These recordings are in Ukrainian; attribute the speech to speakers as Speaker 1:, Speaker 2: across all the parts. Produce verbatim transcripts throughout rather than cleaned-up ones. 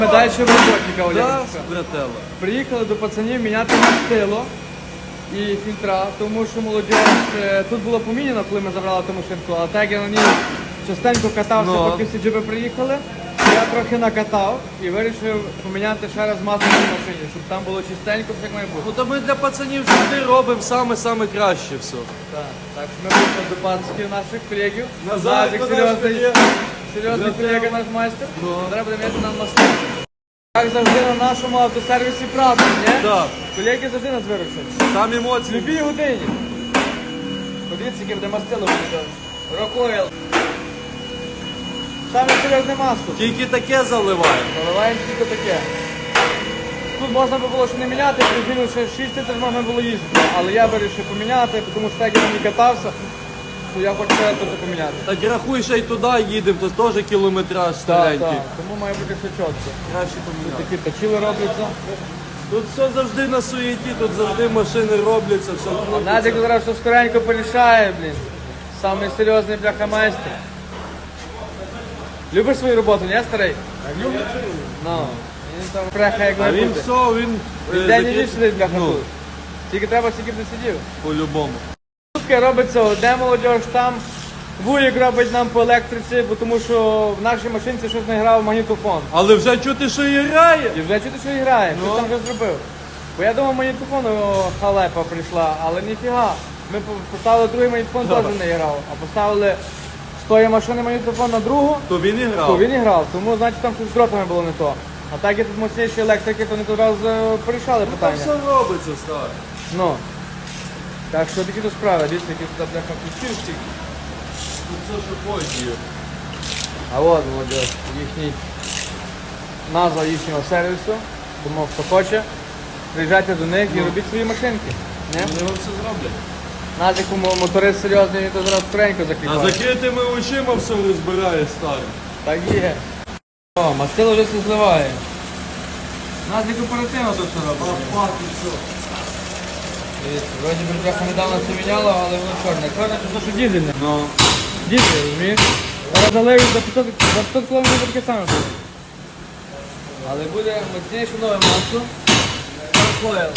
Speaker 1: Ми далі в роботі, кавалерка.
Speaker 2: Да, брателло.
Speaker 1: Приїхали до пацанів міняти мастило і фільтра, тому що молодіж, е, тут було поміняно, коли ми забрали ту машинку, а так я на ній частенько катався,
Speaker 2: Ну.
Speaker 1: поки всі джиби приїхали. Я трохи накатав і вирішив поміняти ще раз масло в цій машині, щоб там було чистенько, все як має бути.
Speaker 2: Ну то ми для пацанів завжди робимо саме-саме краще все.
Speaker 1: Так, так що ми вийшли до пацанів наших колегів.
Speaker 2: Назад,
Speaker 1: Назик
Speaker 2: куди
Speaker 1: серйозний,
Speaker 2: ж
Speaker 1: серйозний
Speaker 2: Брател.
Speaker 1: колега наш майстер.
Speaker 2: Ну.
Speaker 1: Зараз буде м'яти нам масло. Як завжди на нашому автосервісі правда, ні?
Speaker 2: Так.
Speaker 1: Колеги завжди нас виручать.
Speaker 2: Там
Speaker 1: В
Speaker 2: емоції.
Speaker 1: любій годині. Подивіться, яке буде мастило буде. Рокойл. Саме серйозне масло.
Speaker 2: Тільки таке заливаємо.
Speaker 1: Наливаємо тільки таке. Тут можна би було ще не міняти, призілю ще шість тисяч можна було їздити. Але я вирішив поміняти, тому що так я не катався, то я хочу ще теж поміняти.
Speaker 2: Так рахуй, ще й туди їдемо, то теж кілометраж старенький.
Speaker 1: Тому має бути все чітко.
Speaker 2: Краще поміняти.
Speaker 1: Такі точили робляться.
Speaker 2: Тут все завжди на суєті, тут завжди машини робляться, все крутиться.
Speaker 1: Надік зараз все скоренько порішає, блін. Самий серйозний бляхамайстер. Любиш свою роботу, не старий?
Speaker 2: Люблю.
Speaker 1: Ну. Він там преха як
Speaker 2: А
Speaker 1: має
Speaker 2: він
Speaker 1: бути.
Speaker 2: все, він е,
Speaker 1: Він день і
Speaker 2: закрит-
Speaker 1: ніч сидить бляха
Speaker 2: Ну,
Speaker 1: тут. Тільки треба, скільки б не сидів.
Speaker 2: по-любому.
Speaker 1: Шутки робиться одне молодіж, там вуїк робить нам по електриці, бо тому що в нашій машинці щось не грав магнітофон.
Speaker 2: Але вже чути, що і грає.
Speaker 1: І вже чути, що і грає,
Speaker 2: Ну.
Speaker 1: хтось там вже зробив. Бо я думав, магнітофон о, халепа прийшла, але ніфіга. Ми по- поставили другий магнітофон,
Speaker 2: Да.
Speaker 1: теж не грав. А поставили з тої машини магнітофон на другу,
Speaker 2: То він і грав.
Speaker 1: то він і грав. Тому, значить, там щось з дротами було не то. А так як тут мощніші електрики, то вони тут раз е, порішали
Speaker 2: Там
Speaker 1: питання.
Speaker 2: все робиться, стар.
Speaker 1: Ну. Так що такі тут справи, дивіться, які тут бляха включивші.
Speaker 2: Тут все, що хоче.
Speaker 1: А от, молодіж, їхній назва їхнього сервісу. Тому хто хоче, приїжджайте до них і робіть свої машинки. Не?
Speaker 2: Вони вам все зроблять.
Speaker 1: Назику мо- моторист серйозний, він то зараз скоренько
Speaker 2: А
Speaker 1: закліпає.
Speaker 2: закритими очима все розбирає, старий.
Speaker 1: Так є. О, мастило вже все зливає. Назик оперативно тут все робить. Дивіться, вроді би трохи недавно це міняло, але воно чорне. Чорне це те, що дізельне.
Speaker 2: Ну.
Speaker 1: Дізель, розумієш? Зараз заливить за п'ятсот, за п'ятсот кілометрів таке саме буде. Але буде мощніше нове масло. Рокойл.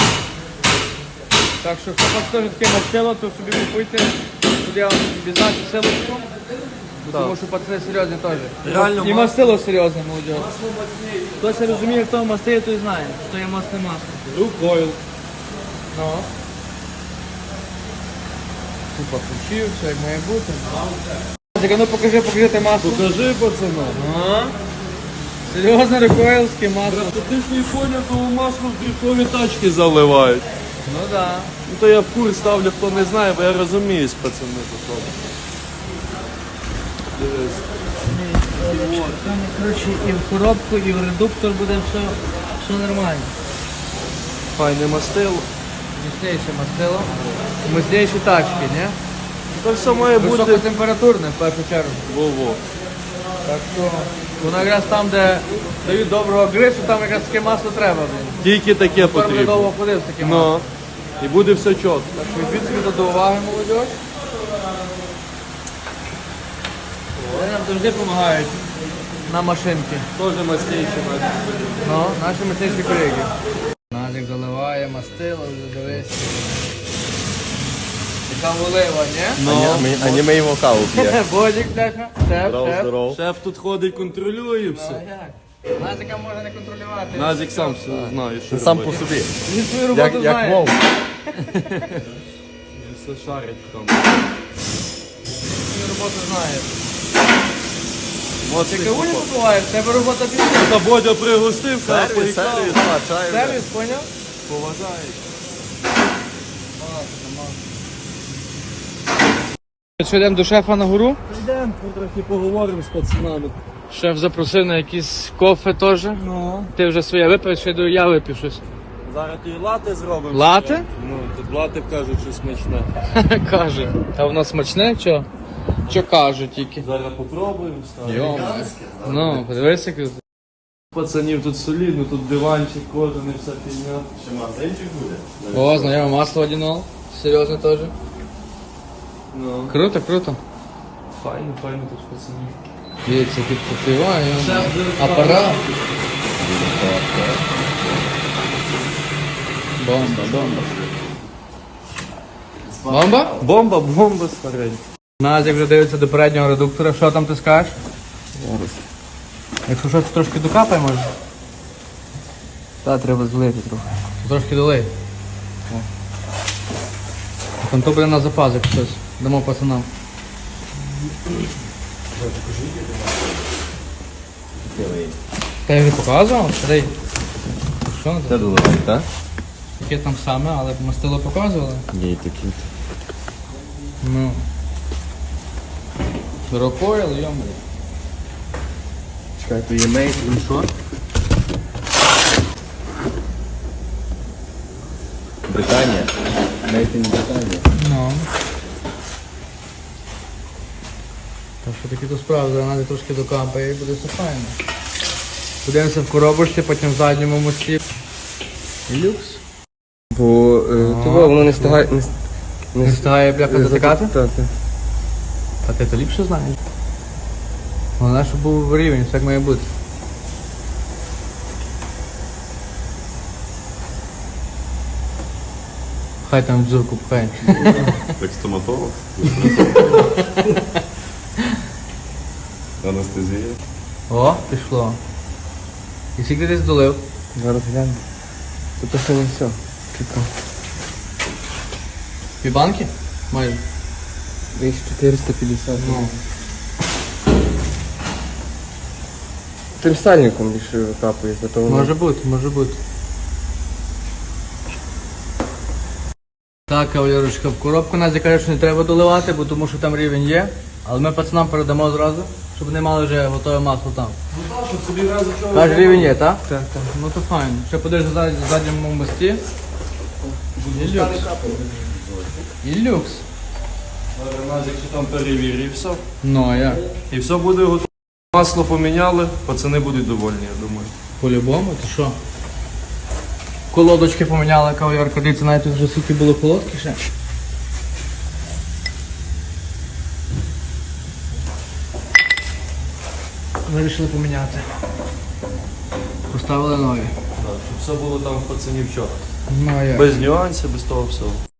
Speaker 1: Так що, хто хоче теж таке мастило, то собі купуйте. Тут я вам відзначу силочку. Бо Тому що пацани серйозні теж.
Speaker 2: Реально,
Speaker 1: І
Speaker 2: мас-
Speaker 1: мастило серйозне, молодь. Хтось розуміє, хто мастиє, той знає, що є масне масло.
Speaker 2: Рукою.
Speaker 1: Ну. Купа ключів, все як має бути. Так, ну покажи, покажи те масло.
Speaker 2: Покажи, пацана.
Speaker 1: Ага. Серйозне рокойлське масло.
Speaker 2: Просто ти ж не поняв, то масло в дрифтові тачки заливають.
Speaker 1: Ну да.
Speaker 2: Ну то я в курс ставлю, хто не знає, бо я розуміюсь, пацани, тут робить. Дивись.
Speaker 1: Там, коротше, і в коробку, і в редуктор буде все, все нормально.
Speaker 2: Файне мастило.
Speaker 1: Міцніше мастило. Міцніші тачки, ні?
Speaker 2: То все має бути.
Speaker 1: Високотемпературне, в першу чергу.
Speaker 2: Во-во.
Speaker 1: Так що, воно якраз там, де дають доброго грису, там якраз таке масло треба. Блін.
Speaker 2: Тільки таке
Speaker 1: Тепер буде
Speaker 2: потрібно.
Speaker 1: довго ходив з таким маслом.
Speaker 2: Ну. І буде все чітко.
Speaker 1: Так що візьміть собі до уваги, молодь. Вони нам завжди допомагають на машинки.
Speaker 2: Теж мастейші мати.
Speaker 1: Ну, наші мастейші колеги. Назик заливає мастило, вже дивись. Така волива, ні?
Speaker 2: Ну.
Speaker 3: А не ми йому каву п'є.
Speaker 1: Бодік, бляха, шеф,
Speaker 3: Здоров,
Speaker 1: шеф.
Speaker 3: здоров.
Speaker 2: Шеф тут ходить, контролює
Speaker 1: А
Speaker 2: все.
Speaker 1: як? Назика можна не контролювати.
Speaker 2: Назік сам все знає, що
Speaker 3: Сам по
Speaker 2: робити.
Speaker 3: собі.
Speaker 1: Він свою роботу
Speaker 3: Як, як
Speaker 1: знає.
Speaker 3: вовк.
Speaker 2: Він все шарить в тому.
Speaker 1: Свою роботу знає. Ти
Speaker 2: Моцний
Speaker 1: каву не
Speaker 2: хлопак.
Speaker 1: побуваєш, в тебе робота пішла.
Speaker 2: Та Бодя пригостив, каже,
Speaker 3: Сервіс,
Speaker 2: поїхав.
Speaker 3: сервіс, а, чай. вже.
Speaker 1: Сервіс, поняв?
Speaker 2: Поважає.
Speaker 1: Що, йдемо до шефа на гору?
Speaker 2: Йдемо, трохи поговоримо з пацанами.
Speaker 1: Шеф запросив на якісь кофе теж.
Speaker 2: Ну.
Speaker 1: Ти вже своє випив, ще йду я випив щось.
Speaker 2: Зараз і лати зробимо.
Speaker 1: Лате?
Speaker 2: Ну, тут лати кажуть, що смачне.
Speaker 1: Каже. А воно смачне, що? Що кажуть тільки?
Speaker 2: Зараз попробуємо стати.
Speaker 1: Йома. Ну, подивися, як...
Speaker 2: Пацанів тут солідно, тут диванчик, кожен і вся фігня.
Speaker 3: Ще магазинчик буде?
Speaker 1: О, знайоме масло одінол. Серйозно теж.
Speaker 2: Ну,
Speaker 1: Круто, круто.
Speaker 2: файно, файно тут пацанів.
Speaker 1: Дивіться, тут попиває.
Speaker 2: Шеф,
Speaker 1: Апарат. Бомба, бомба. Бомба?
Speaker 2: Бомба, бомба старенька.
Speaker 1: Назік вже дивиться до переднього редуктора. Що там ти скажеш?
Speaker 2: Зараз.
Speaker 1: Якщо щось трошки докапай, може?
Speaker 2: Та, треба злити трохи.
Speaker 1: Трошки долей. Там то буде на запас, як щось. Дамо пацанам. Та я вже показував, старий. Що на
Speaker 3: Це
Speaker 1: це?
Speaker 3: доливай, так?
Speaker 1: Таке там саме, але мастило показували.
Speaker 3: Є і такі.
Speaker 1: Ну. Рукою, йому.
Speaker 3: Чекай, то є мейт, він що? Британія. Мейт ін Британія.
Speaker 1: Ну. Так що такі то справи, зараз навіть трошки докапає і буде все файно. Подивимося в коробочці, потім в задньому мості. І люкс.
Speaker 2: Бо е,
Speaker 1: А,
Speaker 2: того воно не встигає. Не,
Speaker 1: Не встигає бляха затикати?
Speaker 2: Так, так.
Speaker 1: А ти то ліпше знаєш. Головне, щоб був рівень, все як має бути. Хай там дзюрку пхає.
Speaker 3: Так стоматолог? Анестезія.
Speaker 1: О, пішло. І скільки ти здолив?
Speaker 2: Зараз гляну. Тут ще не все. Чекай.
Speaker 1: Дві банки? Майже.
Speaker 2: Десь чотириста п'ятдесят.
Speaker 1: Ну.
Speaker 2: Тим сальником більше викапує, зато воно.
Speaker 1: Може бути, може бути. Так, кавалерочка, в коробку нас каже, що не треба доливати, бо тому що там рівень є. Але ми пацанам передамо зразу, щоб вони мали вже готове масло там.
Speaker 2: Ну так, щоб собі разу чого.
Speaker 1: Каже, рівень є, так?
Speaker 2: Так, так.
Speaker 1: Ну то файно. Ще подивишся в зад- задньому мості. І люкс. І люкс.
Speaker 2: Назік ще там перевірив все.
Speaker 1: Ну а як?
Speaker 2: І все буде готово. Масло поміняли, пацани будуть довольні, я думаю.
Speaker 1: По-любому, ти що? Колодочки поміняла кавалерка, дивіться, навіть тут вже скільки було колодки ще. Вирішили поміняти. Поставили нові.
Speaker 2: Так, щоб все було там в пацанів вчора.
Speaker 1: Ну а як?
Speaker 2: Без нюансів, без того всього.